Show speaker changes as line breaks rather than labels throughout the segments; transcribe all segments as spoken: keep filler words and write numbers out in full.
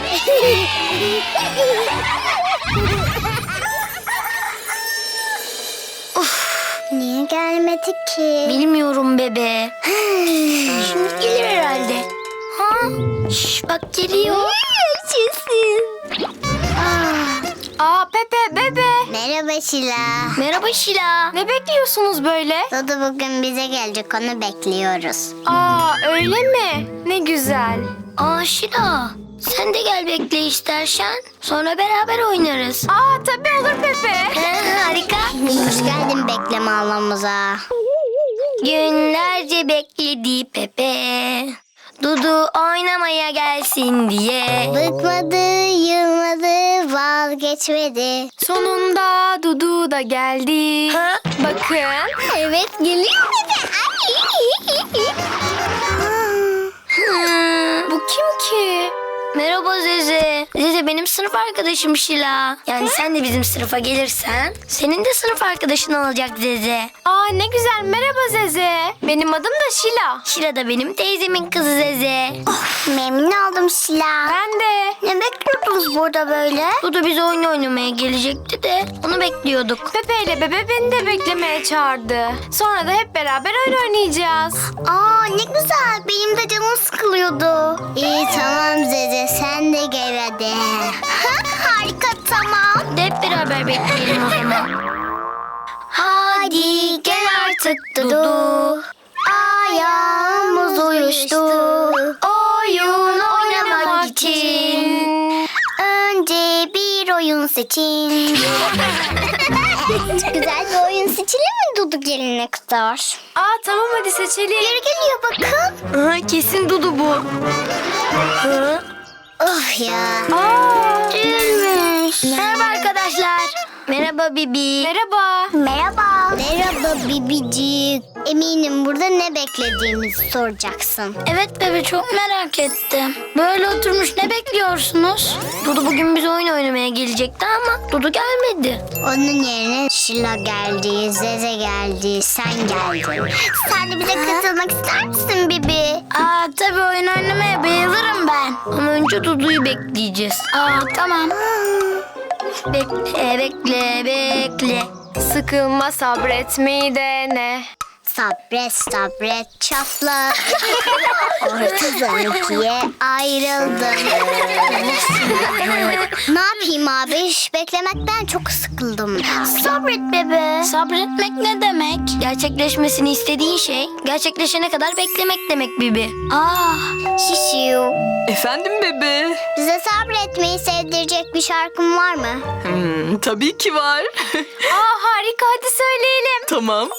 Niye gelmedi ki?
Bilmiyorum bebe. Şimdi gelir herhalde. Ha? Şş, bak geliyor.
Aa Pepe, bebe.
Merhaba Şila.
Merhaba Şila.
Ne bekliyorsunuz böyle?
Dudu bugün bize gelecek, onu bekliyoruz.
Aa öyle mi? Ne güzel.
Aa Şila. Sen de gel bekle istersen. Sonra beraber oynarız.
Aa tabii olur Pepe.
Ha, harika.
Hoş geldin bekleme alanımıza.
Günlerce bekledi Pepe. Dudu oynamaya gelsin diye.
Bıkmadı, yılmadı, vazgeçmedi.
Sonunda Dudu da geldi.
Ha?
Bakın.
Evet, geliyor bize.
Hmm.
Bu kim ki?
Merhaba Zeze. Zeze benim sınıf arkadaşım Şila. Yani sen de bizim sınıfa gelirsen senin de sınıf arkadaşın olacak Zeze.
Aa ne güzel. Merhaba Zeze. Benim adım da Şila.
Şila da benim teyzemin kızı Zeze.
Memnun oldum Şila.
Ben de.
Ne bekliyordunuz burada böyle?
Dudu bize oyun oynamaya gelecekti de onu bekliyorduk.
Pepe ile bebe beni de beklemeye çağırdı. Sonra da hep beraber oyun oynayacağız.
Aa ne güzel, benim de canım sıkılıyordu. İyi tamam Zeze, sen de gel hadi. Harika, tamam.
De hep beraber bekleyelim o zaman.
Hadi gel artık Dudu. Ayağımız uyuştu.
Oyun oynamak için.
Önce bir oyun seçin. Güzel bir oyun seçelim mi Dudu gelene kadar?
Aa tamam hadi seçelim.
Biri geliyor bakın.
Aha, kesin Dudu bu. Hı?
Oh ya.
Aa.
Gülmüş.
Merhaba arkadaşlar. Merhaba Bibi.
Merhaba.
Merhaba. Merhaba Bibicik. Eminim burada ne beklediğimizi soracaksın.
Evet bebe çok merak ettim. Böyle oturmuş ne bekliyorsunuz? Dudu bugün bize oyun oynamaya gelecekti ama Dudu gelmedi.
Onun yerine Şila geldi, Zeze geldi, sen geldin. Sen de bize katılmak ister misin Bibi?
Aa tabii oyun oynamaya bayılırım ben. Ama önce Dudu'yu bekleyeceğiz. Aa tamam. Bekle bekle bekle.
Sıkılma sabretmeyi dene.
Sabret sabret çatla. Ortadan ikiye ayrıldım. Ne yapayım abi? Beklemekten çok sıkıldım.
Sabret bebe. Sabretmek ne demek? Gerçekleşmesini istediğin şey gerçekleşene kadar beklemek demek Bibi. Aa.
Şişiyu.
Efendim bebe?
Bize sabretmeyi sevdirecek bir şarkın var mı?
Hmm, tabii ki var.
Aa harika hadi söyleyelim.
Tamam.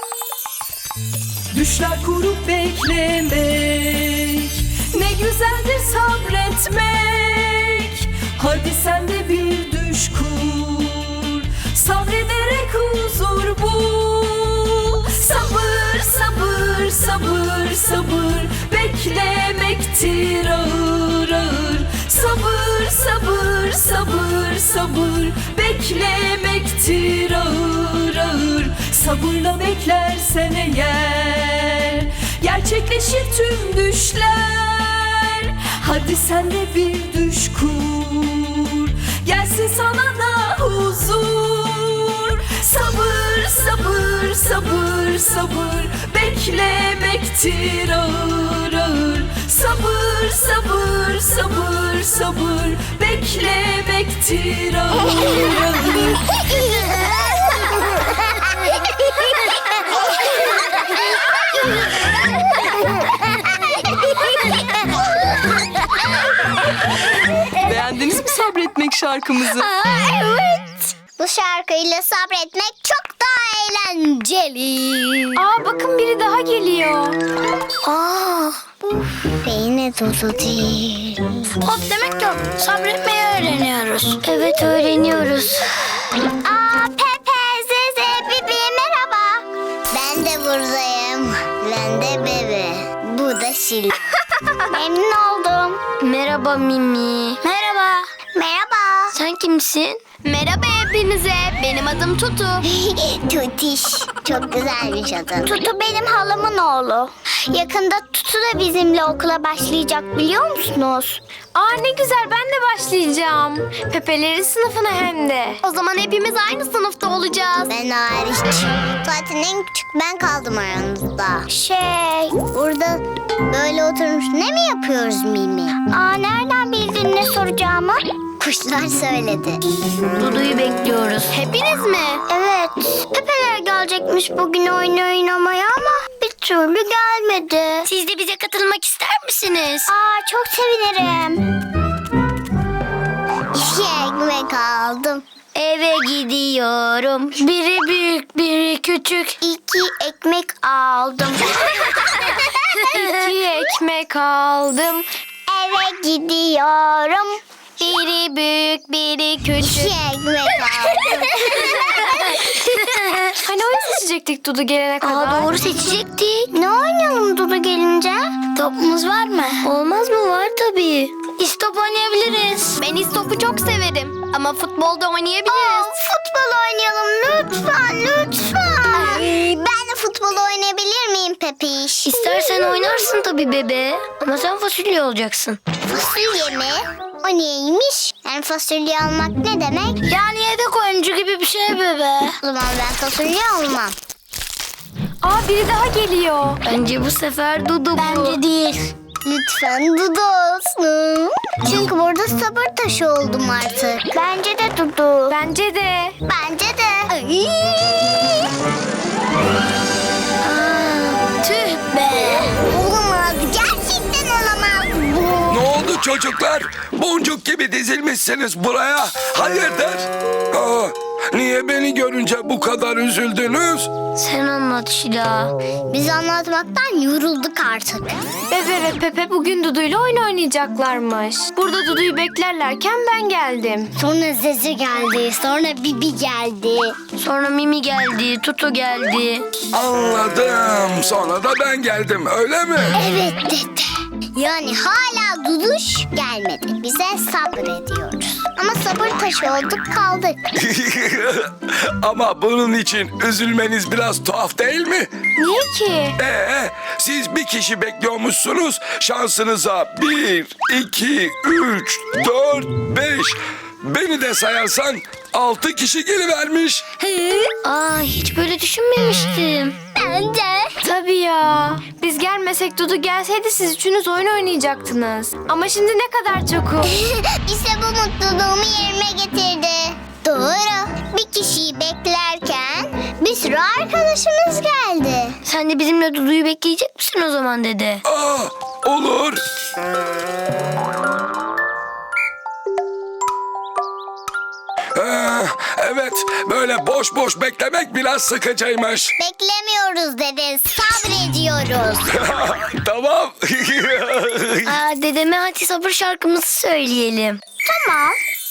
Düşler kurup beklemek, ne güzeldir sabretmek. Hadi sen de bir düş kur, sabrederek huzur bul. Sabır, sabır, sabır, sabır, beklemektir ağır ağır. Sabır, sabır, sabır, sabır, beklemektir ağır ağır. Sabırla beklersen eğer gerçekleşir tüm düşler. Hadi sen de bir düş kur, gelsin sana da huzur. Sabır, sabır, sabır, sabır, beklemektir ağır ağır. Sabır, sabır, sabır, sabır, beklemektir ağır ağır. Beğendiniz mi sabretmek şarkımızı?
Evet. Bu şarkıyla sabretmek çok daha eğlenceli.
Aa bakın biri daha geliyor.
Aa.
Beyne Dudu değil.
Hop demek yok. Sabretmeyi öğreniyoruz. Evet öğreniyoruz.
Aa Pepe, Zeze, Bibi merhaba. Ben de buradayım. Ben de Bebe. Bu da Şila. Memnun oldum.
Merhaba Mimi. Merhaba.
Merhaba.
Sen kimsin?
Merhaba hepinize. Benim adım Tutu.
Tutiş. Çok güzelmiş adın. Tutu benim halamın oğlu. Yakında Tutu da bizimle okula başlayacak, biliyor musunuz?
Aa ne güzel, ben de başlayacağım. Pepe'lerin sınıfına hem de. O zaman hepimiz aynı sınıfta olacağız.
Ben hariç. Zaten en küçük ben kaldım aranızda. Şey, burada böyle oturmuş ne mi yapıyoruz Mimi? Aa, nereden bildin ne soracağımı? Kuşlar söyledi.
Dudu'yu bekliyoruz.
Hepiniz mi?
Evet, Pepe'ler gelecekmiş bugün oyun oynamaya ama bir türlü gelmedi.
Siz de bize katılmak ister misiniz?
Aa, çok sevinirim. İki ekmek aldım.
Eve gidiyorum. Biri büyük, biri küçük.
İki ekmek aldım.
İki ekmek aldım.
Eve gidiyorum.
Biri büyük, biri
İki
küçük.
ekmek aldım.
Hani oyun seçecektik Dudu gelene kadar.
Aa, doğru seçecektik.
Ne oynayalım Dudu gelince?
Topumuz var mı? Olmaz mı? Var tabii. İstop oynayabiliriz.
Ben istopu çok severim. Ama futbolda
Aa,
oynayabiliriz.
futbol oynayalım lütfen lütfen. Ben de futbol oynayabilir miyim Pepiş?
İstersen oynarsın tabii bebe. Ama sen fasulye olacaksın.
Fasulye mi? O neymiş? Yani fasulye almak ne demek?
Yani yedek oyuncu gibi bir şey bebe.
O zaman ben fasulye almam.
Aa biri daha geliyor.
Bence bu sefer Dudu bu. Bence değil.
Lütfen Dudu olsun. Çünkü burada sabır taşı oldum artık. Bence de Dudu.
Bence de.
Bence de. Ay.
Aa, tüh be.
Olamaz. Gerçekten olamaz bu.
Ne oldu çocuklar? Boncuk gibi dizilmişsiniz buraya. Hayırdır? Aa, niye beni görünce bu kadar üzüldünüz?
Sen anlat Şila.
Biz anlatmaktan yorulduk artık.
Bebe ve Pepe bugün Dudu'yla oyun oynayacaklarmış. Burada Dudu'yu beklerlerken ben geldim.
Sonra Zeze geldi. Sonra Bibi geldi.
Sonra Mimi geldi, Tutu geldi.
Anladım. Sonra da ben geldim, öyle mi?
Evet dede. Yani hala Duduş gelmedi. Bize sabrediyoruz. Ama sabır taşı olduk kaldık.
Ama bunun için üzülmeniz biraz tuhaf değil mi?
Niye ki?
Ee, siz bir kişi bekliyormuşsunuz. Şansınıza bir, iki, üç, dört, beş. Beni de sayarsan altı kişi gelivermiş.
Aa, hiç böyle düşünmemiştim.
Bence.
Tabii ya. Biz gelmesek Dudu gelseydi siz üçünüz oyun oynayacaktınız. Ama şimdi ne kadar çokum.
İşte bu mutluluğumu yerime getirdi. Doğru. Bir kişiyi beklerken bir sürü arkadaşımız geldi.
Sen de bizimle Dudu'yu bekleyecek misin o zaman dede?
Aa, olur. Ee, evet, böyle boş boş beklemek biraz sıkıcıymış.
Beklemiyoruz dede. Sabrediyoruz.
Tamam.
Aa, dedeme hadi sabır şarkımızı söyleyelim.
Tamam.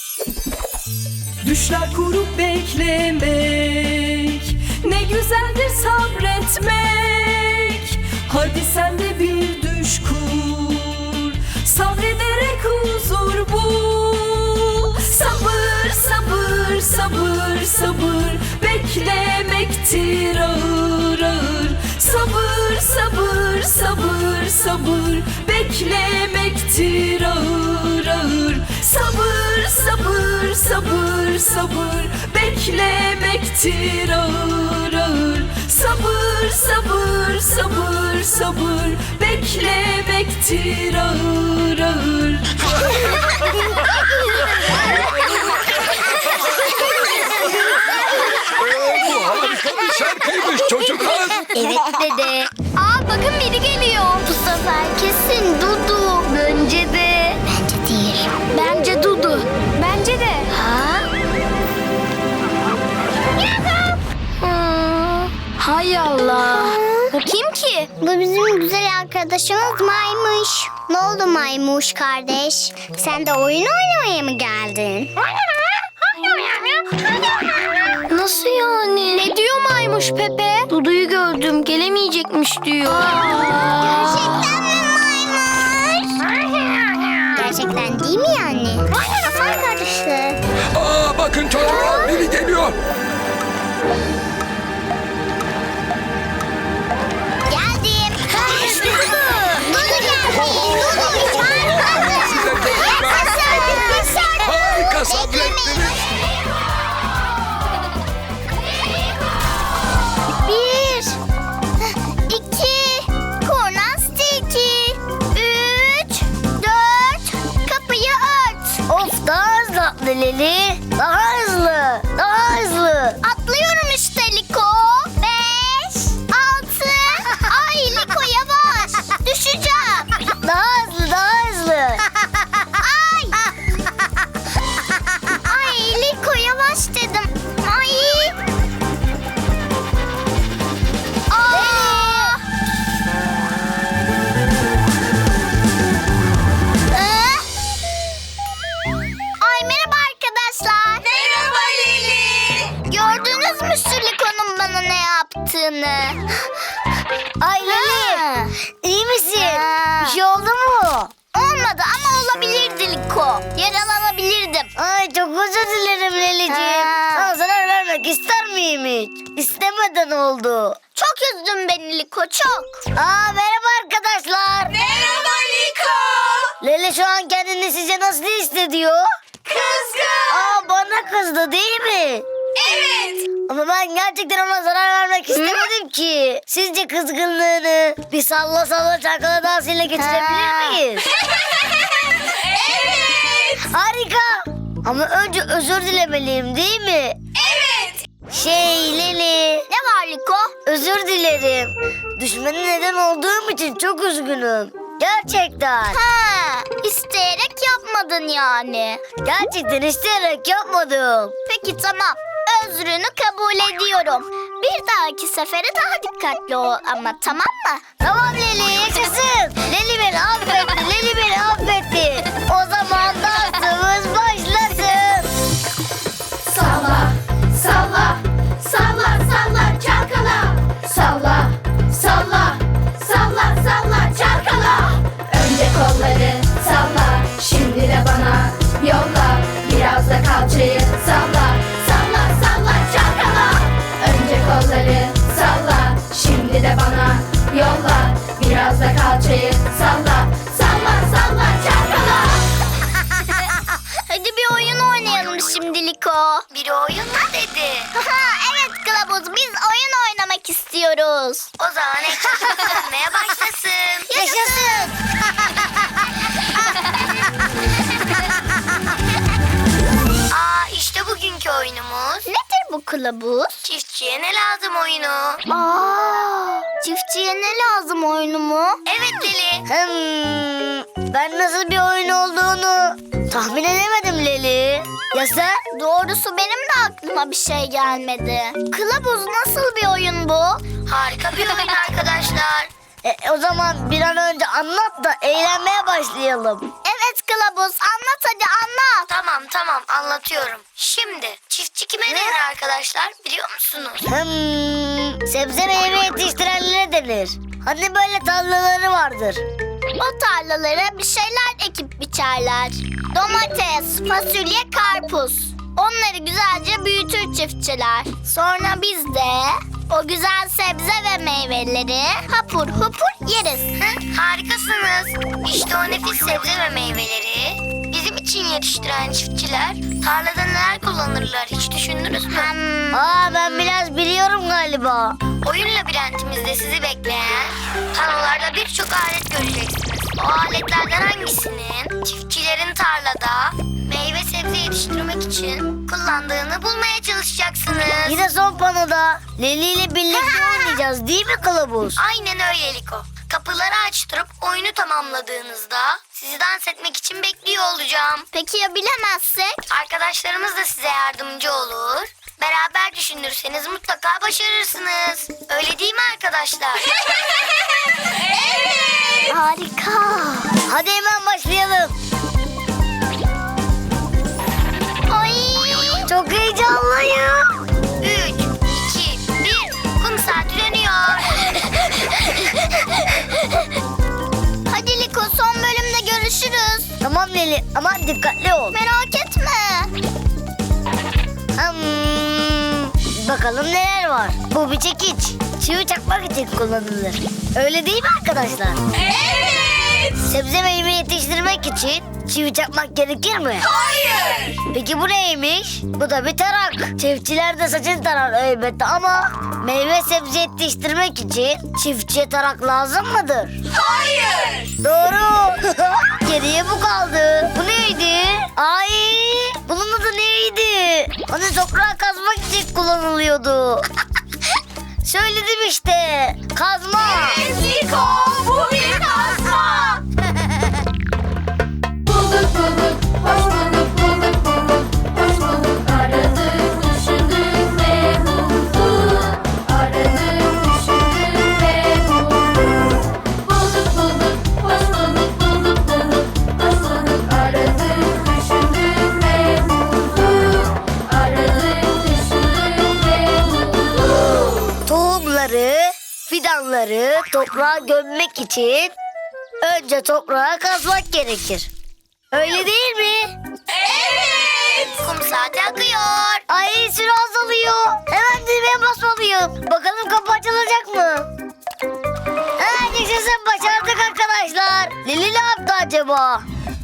Düşler kurup beklemek, ne güzeldir sabretmek. Hadi sen de bir düş kur, sabrederek huzur bul. Sabır, sabır, sabır, sabır, beklemektir ağır ağır. Sabır, sabır, sabır, sabır, beklemektir ağır ağır. Sabır, sabır, sabır, sabır, beklemektir ağır ağır. Sabır, sabır, sabır, sabır, beklemektir ağır ağır.
Bu harika bir şarkıymış çocuklar.
Evet dede.
Aa bakın biri geliyor.
Bu sefer kesin Dudu.
Bence de.
Bence değil.
Bence Dudu.
Bence de.
Ha? Aa, hay Allah.
O kim ki?
Bu bizim güzel arkadaşımız Maymuş. Ne oldu Maymuş kardeş? Sen de oyun oynamaya mı geldin?
Nasıl yani?
Ne diyor maymuş Pepe?
Dudu'yu gördüm, gelemeyecekmiş diyor.
Gerçekten mi Maymuş? Gerçekten değil mi yani? Kafam karıştı.
Bakın çocuklar, biri geliyor.
Geldim. İşte Dudu. Dudu geldi. Dudu çağırmadı.
Size teşekkürler. Harika sabrettiniz.
Bir, iki, kurnastiki, üç, dört, kapıyı ört.
Of, daha hızlı atla Leli. Daha hızlı. Daha hızlı.
Atlıyorum işte Liko. Beş, altı. Ay Liko yavaş. Düşeceğim.
Daha hızlı, daha hızlı.
Ay. Ay Liko yavaş dedim. Ay. Aa. Ee? Ay merhaba arkadaşlar. Merhaba Lili. Gördünüz mü şu Liko'nun bana ne yaptığını?
Ay Leli, iyi misin?
Ha.
Bir şey oldu mu?
Olmadı ama olabilirdi Liko. Yaralanabilirdim.
Ay çok özür dilerim Leli'ciğim.
Ha.
Sana zarar vermek ister miyim hiç? İstemeden oldu.
Çok üzdün beni Liko çok.
Aa, merhaba arkadaşlar.
Merhaba Liko.
Leli şu an kendini sizce nasıl hissediyor?
Kızgın.
Aa, bana kızdı değil mi?
Evet.
Ama ben gerçekten ona zarar vermek istemedim ki. Sizce kızgınlığını bir salla salla çalkala dansıyla geçirebilir
Ha.
miyiz?
Evet.
Harika. Ama önce özür dilemeliyim değil mi?
Evet.
Şey Leli,
Ne var Liko?
özür dilerim. Düşmene neden olduğum için çok üzgünüm. Gerçekten.
Ha, isteyerek yapmadın yani.
Gerçekten isteyerek yapmadım.
Peki tamam. Özrünü kabul ediyorum. Bir dahaki sefere daha dikkatli ol ama tamam mı?
Tamam Leli, yaşasın. Leli beni affetti, Leli beni affetti. O zaman dansımız başlasın.
Salla, salla, salla, salla, çalkala. Salla, salla, salla, salla, çalkala. Önce kolları salla, şimdi de bana yolla. Biraz da kalçayı salla, salla, salla, çalkala. Önce kolları salla, şimdi de bana yolla. Biraz da kalçayı salla, salla, salla, çalkala.
Hadi bir oyun oynayalım şimdi Liko.
Bir oyun mu dedi?
Evet Kılavuz biz oyun oynamak istiyoruz.
O zaman ekranımız dönmeye başlasın.
Yaşasın.
Aa, işte bugünkü oyunumuz.
Nedir bu kılavuz?
Çiftçiye ne lazım oyunu?
Aa, çiftçiye ne lazım oyunu mu?
Evet Leli. Hmm, ben nasıl bir oyun olduğunu tahmin edemedim Leli. Ya sen?
Doğrusu benim de aklıma bir şey gelmedi. Kılavuz nasıl bir oyun bu?
Harika bir oyun arkadaşlar. E, o zaman bir an önce anlat da eğlenmeye başlayalım.
Evet Kılavuz anlat hadi anlat.
Tamam tamam anlatıyorum. Şimdi çiftçi kime denir arkadaşlar biliyor musunuz? Hmm, sebze meyve yetiştirenlere denir. Hani böyle tarlaları vardır.
O tarlalara bir şeyler ekip biçerler. Domates, fasulye, karpuz. Onları güzelce büyütür çiftçiler. Sonra biz de o güzel sebze ve meyveleri hapur hupur yeriz.
Hı, harikasınız. İşte o nefis sebze ve meyveleri bizim için yetiştiren çiftçiler tarlada neler kullanırlar hiç düşündünüz mü?
Hmm.
Aa, ben biraz biliyorum galiba. Oyun labirentimizde sizi bekleyen panolarda birçok alet göreceksiniz. O aletlerden hangisinin çiftçilerin tarlada meyve sebze yetiştirmek için kullandığını bulmaya çalışacaksınız. Yine son panoda Leli ile birlikte oynayacağız değil mi Kılavuz? Aynen öyle Liko. Kapıları açtırıp oyunu tamamladığınızda sizi dans etmek için bekliyor olacağım.
Peki ya bilemezsek?
Arkadaşlarımız da size yardımcı olur. Beraber düşünürseniz mutlaka başarırsınız. Öyle değil mi arkadaşlar?
Harika.
Hadi hemen başlayalım.
Ay.
Çok heyecanlıyım. Üç, iki, bir. Kum saati dönüyor.
Hadi Liko son bölümde görüşürüz.
Tamam Leli ama dikkatli ol.
Merak etme.
Bakalım neler var. Bu bir çekiç. Çivi çakmak için kullanılır. Öyle değil mi arkadaşlar?
Evet.
Sebze meyve yetiştirmek için çivi çakmak gerekir mi?
Hayır.
Peki bu neymiş? Bu da bir tarak. Çiftçiler de saçını tarar elbette ama meyve sebze yetiştirmek için çiftçiye tarak lazım mıdır?
Hayır.
Doğru. Geriye bu kaldı. Bu neydi? Ay, bunun adı neydi? Hani toprağı kazmak için kullanılıyordu. Söyledim işte. Kazma.
Evet Liko, bu bir kazma.
Bulduk bulduk, hoş bulduk, bulduk bulduk, hoş bulduk. Aradık, düşündük ve bulduk. Aradık, düşündük ve bulduk. Bulduk bulduk, hoş bulduk, bulduk bulduk, hoş bulduk. Aradık, düşündük ve bulduk. Aradık, düşündük ve bulduk.
Tohumları, fidanları toprağa gömmek için önce toprağa kazmak gerekir. Öyle değil mi?
Evet.
Kum saati akıyor. Ay, süre azalıyor. Hemen düğmeye basmalıyım. Bakalım kapı açılacak mı? Ha, yaşasın, başardık arkadaşlar. Lili ne yaptı acaba?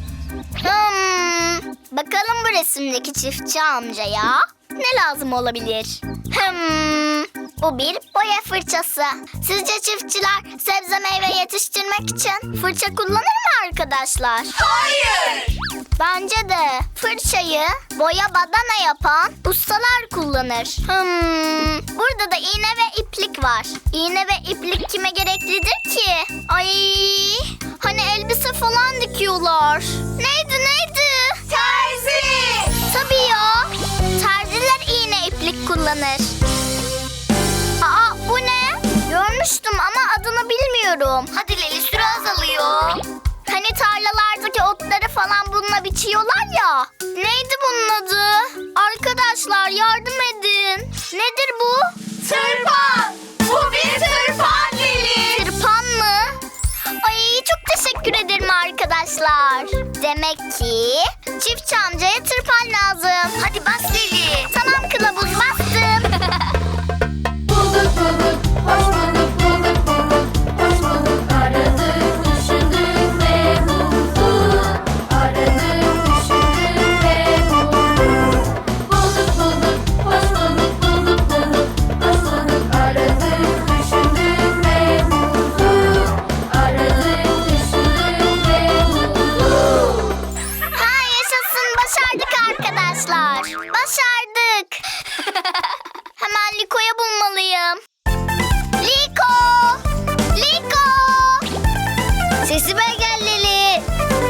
Hmm, bakalım bu resimdeki çiftçi amcaya ne lazım olabilir? Hmm, bu bir boya fırçası. Sizce çiftçiler sebze meyve yetiştirmek için fırça kullanır mı arkadaşlar?
Hayır.
Bence de fırçayı boya badana yapan ustalar kullanır. Hmm, burada da iğne ve iplik var. İğne ve iplik kime gereklidir ki? Ay, hani elbise falan dikiyorlar. Neydi neydi?
Terzi.
Tabii ya. Terziler iğne iplik kullanır. Aa, bu ne? Görmüştüm ama adını bilmiyorum.
Hadi Leli, süre azalıyor.
Hani tarlalardaki otları falan bununla biçiyorlar ya. Neydi bunun adı? Arkadaşlar yardım edin. Nedir bu?
Tırpan. Bu bir tırpan Lili.
Tırpan mı? Ay, çok teşekkür ederim arkadaşlar. Demek ki çiftçi amcaya tırpan lazım.
Hadi bas Leli.
Tamam kılavuz, bastım.
Bulduk bulduk, hoş bulduk, bulduk bulduk, hoş bulduk. Aradık, düşündük ve bulduk. Aradık, düşündük ve bulduk. Bulduk bulduk, hoş bulduk, bulduk bulduk, hoş bulduk. Aradık, düşündük ve bulduk. Aradık, düşündük ve bulduk.
Ha, yaşasın, başardık arkadaşlar. Başardık. Hemen Liko'yu bulmalıyım. Liko! Liko!
Sesime gel Leli.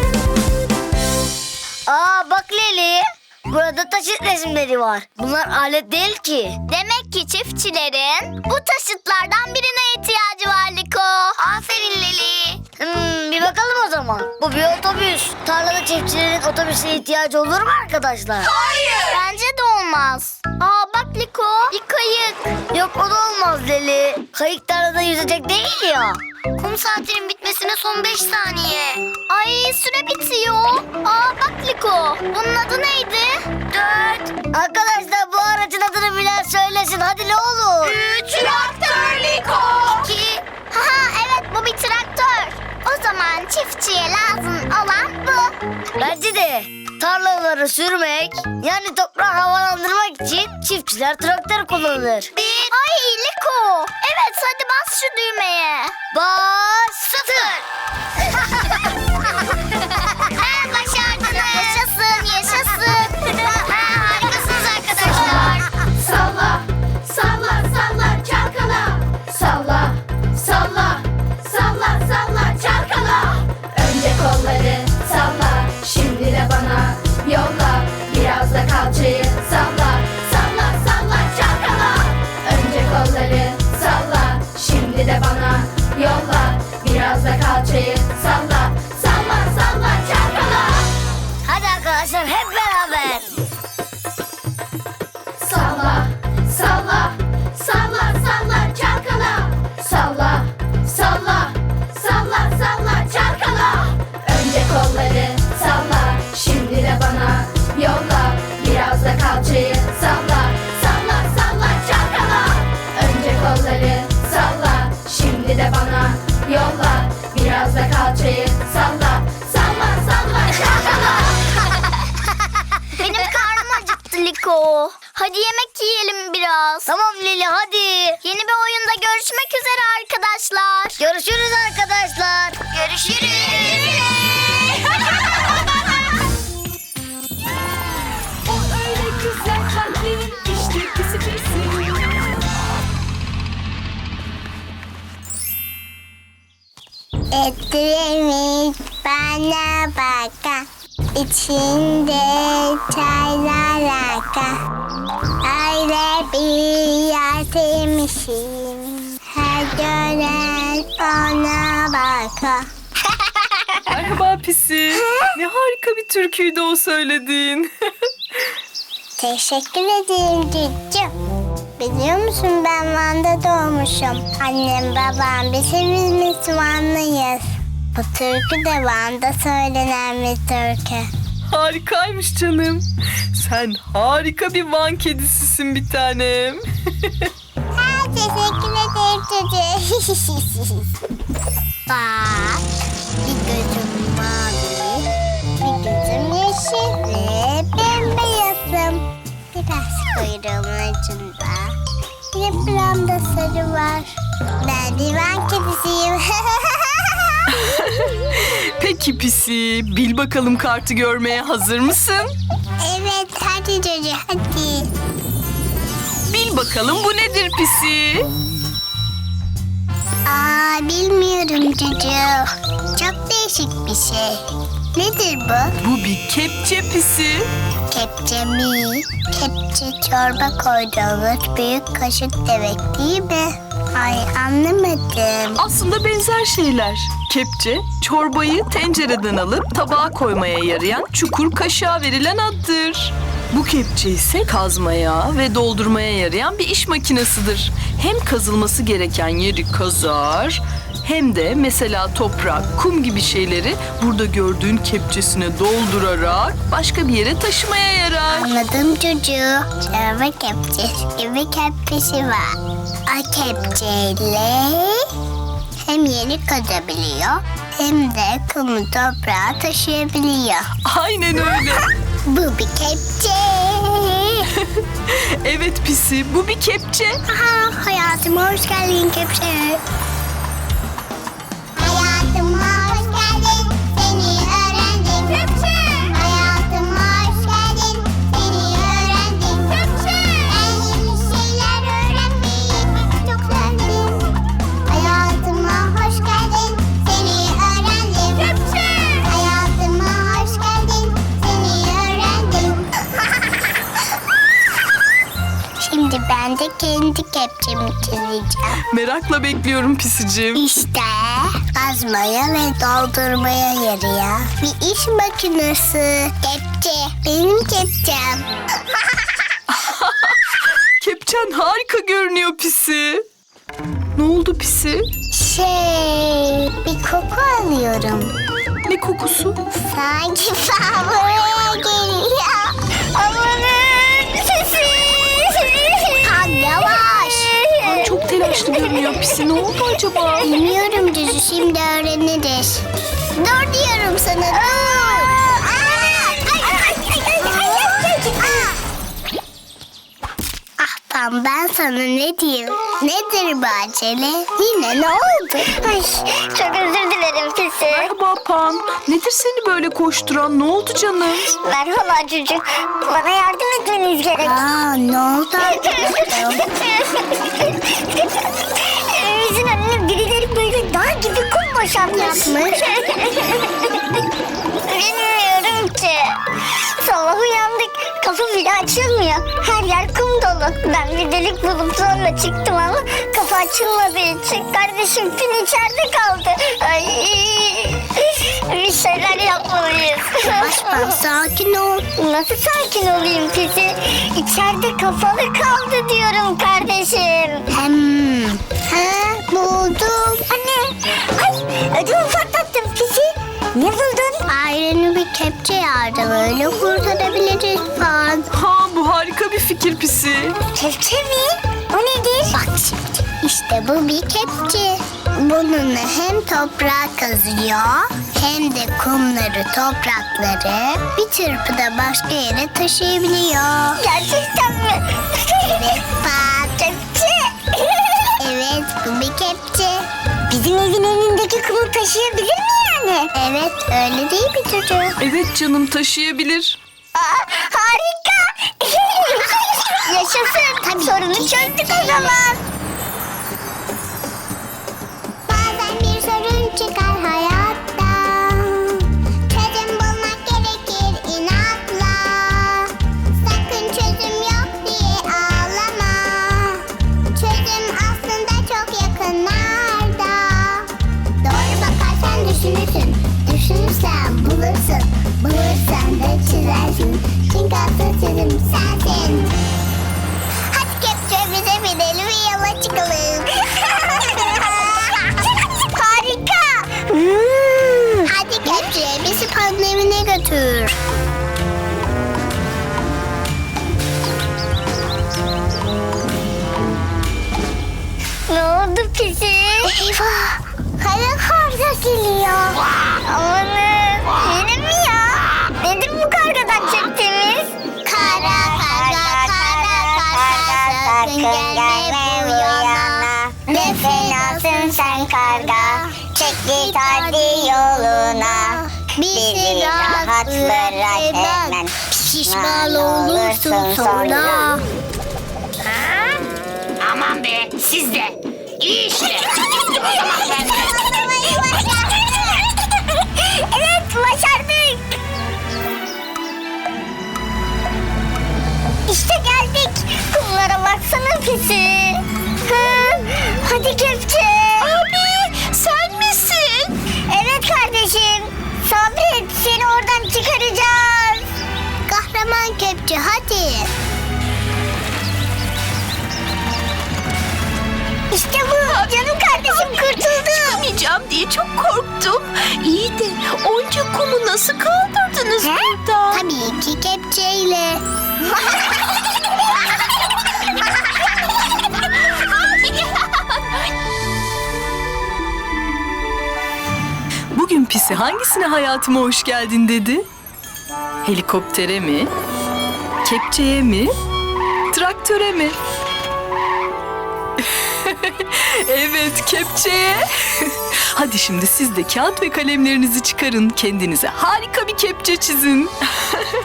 Aa, bak Leli. Burada taşıt resimleri var. Bunlar alet değil ki.
Demek ki çiftçilerin bu taşıtlardan birine ihtiyacı var Liko.
Aferin Leli. Hmm, bir bakalım o zaman. Bu bir otobüs. Tarlada çiftçilerin otobüse ihtiyacı olur mu arkadaşlar?
Hayır.
Bence de olmaz. Aa, bak Liko, bir kayık.
Yok, o da olmaz Leli. Kayık tarlada yüzecek değil ya. Kum saatinin bitmesine son beş saniye.
Ay, süre bitiyor. Aa, bak Liko, bunun adı neydi?
Dört. Arkadaşlar, bu aracın adını bilen söylesin. Hadi ne olur.
Üç. Traktör Liko.
İki.
Ha, evet, bu bir traktör. O zaman çiftçiye lazım olan bu.
Bence de tarlaları sürmek, yani toprağı havalandırmak için çiftçiler traktör kullanır.
Bir. Ay Liko. Evet, hadi bas şu düğmeye.
Bas. Sıfır.
Ha, başardınız. Yaşasın, yaşasın. Ha, harikasınız arkadaşlar.
Salla, salla, salla, çalkala. Salla, salla, salla, salla, çalkala. Önce kolları salla, şimdi de bana yolla. Biraz da kalçayı salla, salla, salla, çalkala. Önce kolları salla, şimdi de bana yolla. Biraz da kalçayı salla, salla, salla, çalkala.
Hadi arkadaşlar, hep beraber.
Salla, salla, salla, salla, çalkala. Salla, salla, salla, salla, çalkala. Önce kolları salla, şimdi de bana yolla. Biraz da kalçayı salla, salla, salla, çalkala.
Liko. Hadi yemek yiyelim biraz.
Tamam Lili hadi.
Yeni bir oyunda görüşmek üzere arkadaşlar.
Görüşürüz arkadaşlar. Görüşürüz.
O öyle güzel kalplerin işte pisi pisi.
Ettirmiş bana baka. İçinde çaylar aka. Öyle bir yer sevmişim. Her gören ona baka.
Merhaba Pisi. Ne harika bir türküydü o söylediğin.
Teşekkür ederim cüccüm. Biliyor musun ben Van'da doğmuşum. Annem babam biz hepimiz Müslümanlıyız. Bu türkü de Van'da söylenen bir türkü.
Harikaymış canım. Sen harika bir Van kedisisin bir tanem.
Ha, teşekkür ederim çocuğum. Bak, bir gözüm mavi, bir gözüm yeşil ve bembeyazım. Biraz kuyruğumun ucunda, bir de buramda sarı var. Ben bir Van kedisiyim.
Peki Pisi, bil bakalım kartı görmeye hazır mısın?
Evet, hadi çocuğum, hadi.
Bil bakalım bu nedir Pisi?
Aa, bilmiyorum çocuğum. Çok değişik bir şey. Nedir bu?
Bu bir kepçe Pisi.
Kepçe mi? Kepçe çorba koyduğumuz büyük kaşık demek değil mi? Ay anlamadım.
Aslında benzer şeyler. Kepçe, çorbayı tencereden alıp tabağa koymaya yarayan çukur kaşığa verilen addır. Bu kepçe ise kazmaya ve doldurmaya yarayan bir iş makinesidir. Hem kazılması gereken yeri kazar, hem de mesela toprak, kum gibi şeyleri burada gördüğün kepçesine doldurarak başka bir yere taşımaya yarar.
Anladım çocuğu. Çorba kepçesi gibi kepçesi var. O kepçeyle hem yeri kazabiliyor hem de kumu toprağa taşıyabiliyor.
Aynen öyle.
Bu bir kepçe.
Evet Pisi, bu bir kepçe.
Aha, hayatıma hoş geldin kepçe. Hayatıma hoş geldin, seni öğrendim. Kepçe. Hayatıma hoş geldin, seni öğrendim. Kepçe. Ben yeni şeyler öğrenmeyi çok sevdim. Hayatıma hoş geldin, seni öğrendim. Kepçe. Hayatıma hoş geldin, seni öğrendim. Şimdi ben de kendi kepçemi çizeceğim.
Merakla bekliyorum Pisicim.
İşte kazmaya ve doldurmaya yarıyor bir iş makinesi. Kepçe. Benim kepçem.
Kepçen harika görünüyor Pisi. Ne oldu Pisi?
Şey, bir koku alıyorum.
Ne kokusu?
Sanki ben buraya geliyor. Amanın sesi. Ha, yavaş.
Ay, çok telaşlı görünüyor Pisi. Ne oldu acaba?
Bilmiyorum Cüzü, şimdi öğreniriz. Dur diyorum sana, dur. Ah Pam, ben sana ne diyeyim? Nedir bu acele? Yine ne oldu? Ay, çok özür dilerim Pisi.
Merhaba Pan. Nedir seni böyle koşturan? Ne oldu canım?
Merhaba çocuk. Bana yardım etmeniz gerek. Aa, ne oldu arkadaşım? Evimizin önüne birileri böyle dağ gibi kum boşaltmış. Bilmiyorum ki. Sabah uyandık. Kapı bile açılmıyor. Her yer kum dolu. Ben bir delik bulup zorla çıktım ama kapı açılmadığı için kardeşim Pin içeride kaldı. Ay, bir şeyler yapmalıyız. Başkan sakin ol. Nasıl sakin olayım Pisi? İçeride kapalı kaldı diyorum kardeşim. Hem. Ha, buldum. Anne. Ay, ödümü patlattım Pisi. Ne buldun? Aileni bir kepçe yardımıyla kurtarabiliriz falan.
Ha, bu harika bir fikir Pisi.
Kepçe mi? O nedir? Bak şimdi. İşte bu bir kepçe. Bununla hem toprağı kazıyor hem de kumları, toprakları bir çırpıda başka yere taşıyabiliyor. Gerçekten mi? Evet bak. Kepçe. Evet bu bir kepçe. Bizim evin önündeki kumu taşıyabilir mi yani? Evet öyle değil mi çocuğum?
Evet canım, taşıyabilir.
Aa, harika. Yaşasın. Tabii sorunu çözdük o zaman. Bazen bir sorun çıkar hayatta. Çözüm bulmak gerekir inatla. Sakın çözüm yok diye ağlama. Çözüm aslında çok yakınlarda. Doğru bakarsan düşünürsün. Düşünürsen bulursun. Bulursan da çizersin. Çünkü asıl çözüm sensin. Hadi kepçe bize binelim ve yola çıkalım. Harika. Hmm. Hadi kepçe bizi Pan'ın evine götür. Ne oldu pisi? Eyvah. Kara karga geliyor. Amanın. Yine mi ya? Nedir bu kargadan çektiğimiz? Kara karga, kara karga, sakın gelme bu yana. Ne fenasın sen karga, çek git hadi yoluna. Bizi rahat bırak hemen, pişman olursun sonra.
Aman be siz de. İyi işte. O zaman ben de.
Evet başardık. İşte geldik. Kumlara baksana pisi. Ha, hadi kepçe. Abi sen misin? Evet kardeşim. Sabret seni oradan çıkaracağız. Kahraman kepçe hadi. İşte bu. Canım kardeşim kurtuldu.
Çıkamayacağım diye çok korktum. İyi de onca kumu nasıl kaldırdınız
He?
burada?
Tabii ki kepçeyle.
Bugün Pisi hangisine hayatıma hoş geldin dedi? Helikoptere mi? Kepçeye mi? Traktöre mi? Evet, kepçeye. Hadi şimdi siz de kağıt ve kalemlerinizi çıkarın. Kendinize harika bir kepçe çizin.